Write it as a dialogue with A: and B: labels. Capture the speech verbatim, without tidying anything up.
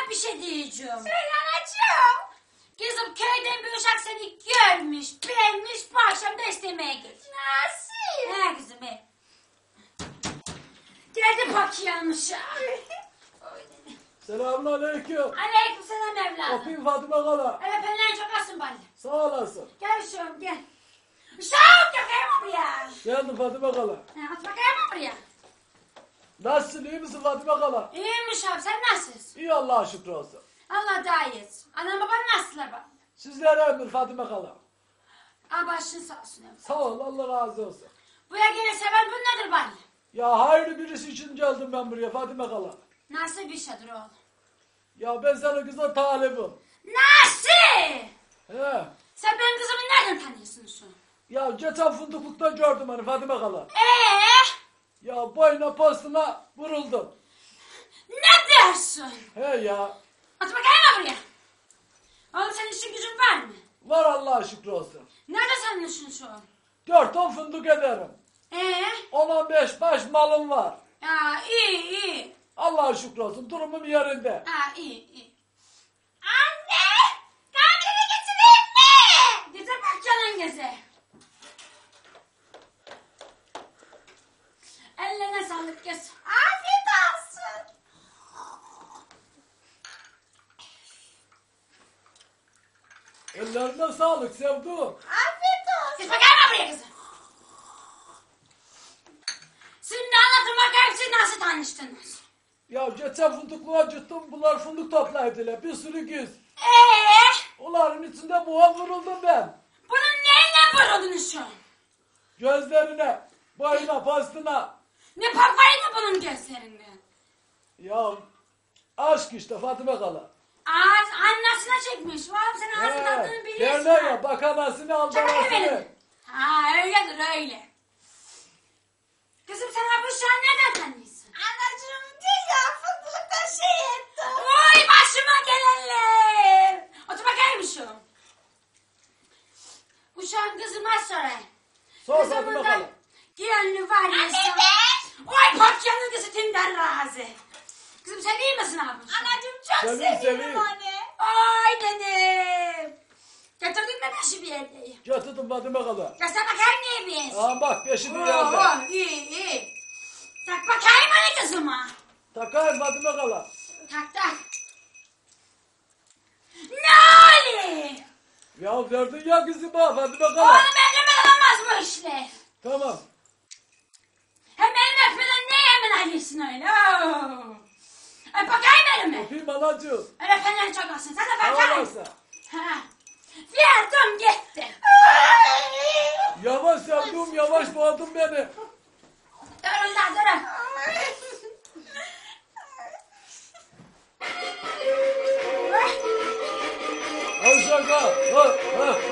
A: bir şey diyeceğim.
B: Söyle anacığım.
A: Kızım köyden bir uşak seni görmüş, beğenmiş, bu akşam da istemeye git.
B: Nasıl?
A: He kızım he. Geldi bak yanlış ya.
C: Selamünaleyküm.
A: Aleyküm selam evladım.
C: Öpeyim Fatime Kala.
A: Evet benden çok asın bana.
C: Sağ olasın.
A: Gel uşağım gel. Uşağım bakayım buraya.
C: Geldim Fatime Kala.
A: Ha, at bakayım buraya.
C: Nasılsın, iyi misin Fatime Kala?
A: İyiyim uşağım sen nasılsın?
C: İyi Allah'a şükür olsun.
A: Allah daha iyi etsin. Anam baban nasıllar bak?
C: Sizlere ömür Fatime Kala.
A: Aa başın sağ olsun evladım.
C: Sağ ol, Allah razı olsun.
A: Buraya gelirse ben bu nedir bana?
C: Ya hayırlı birisi için geldim ben buraya Fatime Kala.
A: Nasıl bir şeydir oğlum?
C: Ya ben sana kıza talibim.
A: Nasıl?
C: He.
A: Sen benim kızımı nereden tanıyorsun şu?
C: Ya geçen fındıklıkta gördüm hani Fatime Kala.
A: Eee?
C: Ya boyuna postuna vuruldum.
A: Ne dersin?
C: He ya.
A: At bakayım buraya. Oğlum senin işin gücün var mı?
C: Var Allah'a şükür olsun.
A: Nerede sanıyorsun şu an?
C: Dört on fındık ederim.
A: Ee?
C: On on beş baş malım var.
A: Ya iyi iyi.
C: Allah'a şükür olsun. Durumum yerinde.
A: Ha iyi iyi.
B: Anne. Kahveni getireyim mi?
A: Geze bak canın geze. Ellerine sağlık kız.
B: Afiyet olsun.
C: Ellerine sağlık sevduğum.
B: Afiyet olsun.
A: Gez bakayım buraya kızım. Şimdi anlatın bakayım siz nasıl tanıştınız?
C: Ya geçen fındıklığa gittim. Bunlar fındık toplaydılar. Bir sürü güz.
A: Eee?
C: Onların içinde buğa vuruldum ben.
A: Bunun neyle vuruldunuz şu an?
C: Gözlerine, boyuna, postuna.
A: Ne bakmayın bunun gözlerinden?
C: Ya aşk işte Fatime Kala.
A: Ağız annasına çekmiş. Vallahi sen ağzın tadını biliyorsun.
C: Derler ya bak anasını al
A: Çakal
C: anasını.
A: benim. Ha öyledir öyle. Kızım sen bu şu an nereden tanıyorsun?
B: Anacığım dünya fındıkta şey etti.
A: Oy başıma gelenler. Otur bakayım şu. Uşağın kızıma sorayım.
C: Sor
A: Kızımın
C: Fatime
A: da
C: Kala.
A: gönlü var ya.
B: Anne
A: sana.
B: be.
A: Oy patyanın kızı timden razı. Kızım sen iyi misin abi?
B: Anacığım çok
C: Seveyim,
B: seviyorum
C: seveyim.
B: anne.
A: Ay dedim. Getirdin mi beşi bir yerdeyim?
C: Getirdim Fatime Kala.
A: Göster bakayım neye bir
C: Aa bak beşi bir
A: Oo,
C: yerde.
A: oh, iyi iyi. Tak bakayım hani kızıma.
C: Takayım Fatime Kala.
A: Tak tak. Ne oluyor?
C: Ya verdin ya kızıma Fatime
A: Oğlum
C: Kala.
A: evlenmeden olmaz bu işler.
C: Tamam.
A: Hem benim öpmeden ne yemin alıyorsun öyle? Oo. Öp bakayım elimi.
C: Öpeyim anacığım.
A: Öyle fenen çok olsun. Sen de
C: Sağ
A: bakayım.
C: olasın.
A: Ha. Verdim gitti.
C: Yavaş sevduğum yavaş boğdun beni.
A: Durun da durun.
C: Al şaka. Ha, ha.